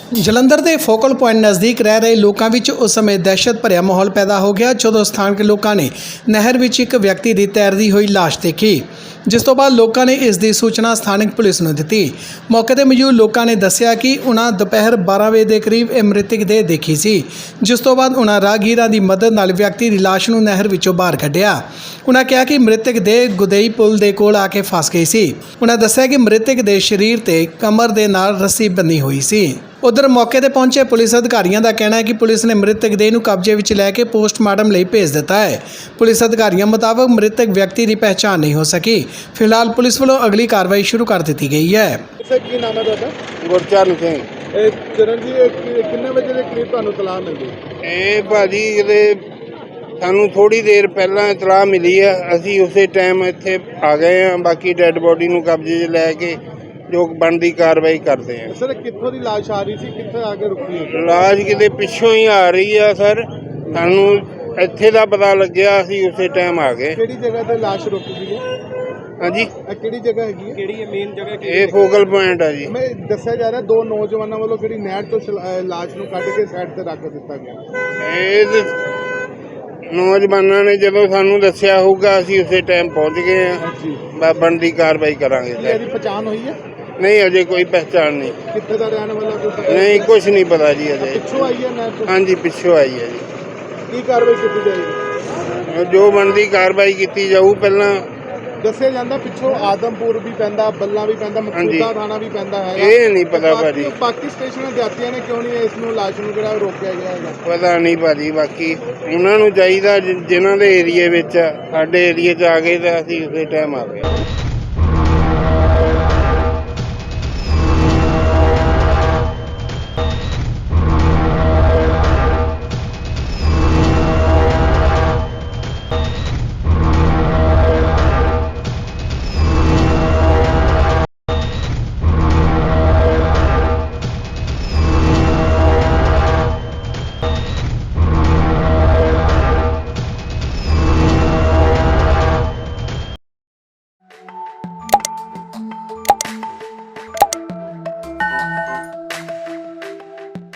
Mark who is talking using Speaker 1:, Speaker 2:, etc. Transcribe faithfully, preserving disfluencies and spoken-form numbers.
Speaker 1: ਜਲੰਧਰ ਦੇ focal point ਨਜ਼ਦੀਕ ਰਹਿ ਰਹੇ ਲੋਕਾਂ ਵਿੱਚ ਉਸ ਸਮੇਂ ਦਹਿਸ਼ਤ ਭਰਿਆ ਮਾਹੌਲ ਪੈਦਾ ਹੋ ਗਿਆ ਜਦੋਂ ਸਥਾਨਕ ਲੋਕਾਂ ਨੇ ਨਹਿਰ ਵਿੱਚ ਇੱਕ ਵਿਅਕਤੀ ਦੀ ਤੈਰਦੀ ਹੋਈ ਲਾਸ਼ ਦੇਖੀ, ਜਿਸ ਤੋਂ ਬਾਅਦ ਲੋਕਾਂ ਨੇ ਇਸ ਦੀ ਸੂਚਨਾ ਸਥਾਨਕ ਪੁਲਿਸ ਨੂੰ ਦਿੱਤੀ। ਮੌਕੇ ਤੇ ਮੌਜੂਦ ਲੋਕਾਂ ਨੇ ਦੱਸਿਆ ਕਿ ਉਹਨਾਂ ਦੁਪਹਿਰ ਬਾਰਾਂ ਵਜੇ ਦੇ ਕਰੀਬ ਇਹ ਮ੍ਰਿਤਕ ਦੇਹ ਦੇਖੀ ਸੀ, ਜਿਸ ਤੋਂ ਬਾਅਦ ਉਹਨਾਂ ਰਾਹਗੀਰਾਂ ਦੀ ਮਦਦ ਨਾਲ ਵਿਅਕਤੀ ਦੀ ਲਾਸ਼ ਨੂੰ ਨਹਿਰ ਵਿੱਚੋਂ ਬਾਹਰ ਕੱਢਿਆ। ਉਹਨਾਂ ਕਿਹਾ ਕਿ ਮ੍ਰਿਤਕ ਦੇਹ ਗੁਦਈ ਪੁਲ ਦੇ ਕੋਲ ਆ ਕੇ ਫਸ ਗਈ ਸੀ। ਉਹਨਾਂ ਦੱਸਿਆ ਕਿ ਮ੍ਰਿਤਕ ਦੇ ਸਰੀਰ ਤੇ ਕਮਰ ਦੇ ਨਾਲ ਰੱਸੀ ਬੰਨੀ ਹੋਈ ਸੀ। ਉਧਰ ਮੌਕੇ ਤੇ ਪਹੁੰਚੇ ਪੁਲਿਸ ਅਧਿਕਾਰੀਆਂ ਦਾ ਕਹਿਣਾ ਹੈ ਕਿ ਪੁਲਿਸ ਨੇ ਮ੍ਰਿਤਕ ਦੇਹ ਨੂੰ ਕਬਜ਼ੇ ਵਿੱਚ ਲੈ ਕੇ ਪੋਸਟਮਾਰਟਮ ਲਈ ਭੇਜ ਦਿੱਤਾ ਹੈ। ਪੁਲਿਸ ਅਧਿਕਾਰੀਆਂ ਮੁਤਾਬਕ ਮ੍ਰਿਤਕ ਵਿਅਕਤੀ ਦੀ ਪਹਿਚਾਣ ਨਹੀਂ ਹੋ ਸਕੀ। ਫਿਲਹਾਲ ਪੁਲਿਸ ਵੱਲੋਂ ਅਗਲੀ ਕਾਰਵਾਈ ਸ਼ੁਰੂ ਕਰ ਦਿੱਤੀ ਗਈ ਹੈ।
Speaker 2: ਸਰ ਕੀ ਨਾਮ ਹੈ ਤੁਹਾਡਾ?
Speaker 3: ਗੁਰਚਰਨ ਸਿੰਘ।
Speaker 2: ਇਹ ਚਰਨ ਜੀ ਇਹ ਕਿ- ਕਿੰਨੇ ਵਜੇ ਦੇ ਕਰੀਬ ਤੁਹਾਨੂੰ ਤਲਾਹ ਮਿਲੀ?
Speaker 3: ਇਹ ਭਾਜੀ ਇਹਦੇ ਸਾਨੂੰ ਥੋੜੀ ਦੇਰ ਪਹਿਲਾਂ ਇਤਲਾਹ ਮਿਲੀ ਆ, ਅਸੀਂ ਉਸੇ ਟਾਈਮ ਇੱਥੇ ਆ ਗਏ ਆ। ਬਾਕੀ ਡੈੱਡ ਬੋਡੀ ਨੂੰ ਕਬਜ਼ੇ 'ਚ ਲੈ ਕੇ ਜੋ ਬਣਦੀ ਕਾਰਵਾਈ ਕਰਦੇ ਆ।
Speaker 2: ਸਰ ਕਿੱਥੋਂ ਦੀ ਲਾਸ਼ ਆ ਰਹੀ ਸੀ, ਕਿੱਥੇ ਆ ਕੇ ਰੁਕੀ ਹੈ?
Speaker 3: ਲਾਸ਼ ਕਿਤੇ ਪਿੱਛੋਂ ਹੀ ਆ ਰਹੀ ਆ ਸਰ, ਸਾਨੂੰ ਇੱਥੇ ਦਾ ਪਤਾ ਲੱਗਿਆ, ਅਸੀਂ ਉਸੇ ਟਾਈਮ ਆ ਗਏ।
Speaker 2: ਕਿਹੜੀ ਜਗ੍ਹਾ ਤੇ ਲਾਸ਼ ਰੁਕੀ ਸੀ?
Speaker 3: ਹਾਂਜੀ,
Speaker 2: ਇਹ ਕਿਹੜੀ ਜਗ੍ਹਾ ਹੈਗੀ ਹੈ? ਕਿਹੜੀ ਮੇਨ ਜਗ੍ਹਾ?
Speaker 3: ਇਹ ਫੋਕਲ ਪੁਆਇੰਟ ਆ ਜੀ।
Speaker 2: ਮੈਂ ਦੱਸਿਆ ਜਾ ਰਿਹਾ ਦੋ ਨੌਜਵਾਨਾਂ ਵੱਲੋਂ ਕਿਹੜੀ ਨਹਿਰ ਤੋਂ ਛਲ- ਅਹ ਲਾਸ਼ ਨੂੰ ਕੱਢ ਕੇ ਸਾਈਡ ਤੇ ਰੱਖ ਦਿੱਤਾ ਗਿਆ।
Speaker 3: ਇਹ ਤੇ ਨੌਜਵਾਨਾਂ ਨੇ ਜਦੋਂ ਸਾਨੂੰ ਦੱਸਿਆ ਹੋਊਗਾ ਅਸੀਂ ਉਸੇ ਟਾਈਮ ਪਹੁੰਚ ਗਏ ਆ।
Speaker 2: ਜੀ
Speaker 3: ਬਾ ਬਣਦੀ ਕਾਰਵਾਈ ਕਰਾਂਗੇ
Speaker 2: ਕੀ
Speaker 3: ਸਰ।
Speaker 2: ਇਹਦੀ ਪਛਾਣ ਹੋਈ ਹੈ?
Speaker 3: ਨਹੀਂ, ਅਜੇ ਕੋਈ ਪਹਿਚਾਣ ਨਹੀਂ।
Speaker 2: ਕਿੱਥੇ ਦਾ ਰਹਿਣ ਵਾਲਾ ਕੋਈ ਪਤਾ?
Speaker 3: ਨਹੀਂ, ਕੁਝ ਨਹੀਂ ਪਤਾ ਜੀ ਅਜੇ।
Speaker 2: ਪਿੱਛੋਂ ਆਈ ਹੈ ਨਹਿਰ ਤੋਂ?
Speaker 3: ਹਾਂਜੀ, ਪਿੱਛੋਂ ਆਈ ਹੈ ਜੀ।
Speaker 2: ਕੀ ਕਾਰਵਾਈ ਕੀਤੀ ਜਾਏਗੀ?
Speaker 3: ਜੋ ਬਣਦੀ ਕਾਰਵਾਈ ਕੀਤੀ ਜਾਊ। ਪਹਿਲਾਂ
Speaker 2: ਦੱਸਿਆ ਜਾਂਦਾ ਪਿੱਛੋਂ ਆਦਮਪੁਰ ਵੀ ਪੈਂਦਾ, ਬੱਲਾ ਵੀ ਪੈਂਦਾ, ਮਕਸੂਦਾ ਥਾਣਾ ਵੀ ਪੈਂਦਾ ਹੈ।
Speaker 3: ਇਹ ਨਹੀਂ ਪਤਾ ਭਾਜੀ।
Speaker 2: ਬਾਕੀ ਸਟੇਸ਼ਨਾਂ ਜਾਤੀਆਂ ਨੇ ਕਿਉਂ ਨਹੀਂ ਇਸ ਨੂੰ ਲਾਸ਼ ਨੂੰ ਜਿਹੜਾ ਰੋਕਿਆ ਗਿਆ ਹੈਗਾ?
Speaker 3: ਪਤਾ ਨਹੀਂ ਭਾਜੀ। ਬਾਕੀ ਉਹਨਾਂ ਨੂੰ ਚਾਹੀਦਾ ਜਿ- ਜਿਨ੍ਹਾਂ ਦੇ ਏਰੀਏ ਵਿੱਚ ਆ, ਸਾਡੇ ਏਰੀਏ 'ਚ ਆ ਗਏ ਤਾਂ ਅਸੀਂ ਉਸੇ ਟਾਈਮ ਆ ਗਏ।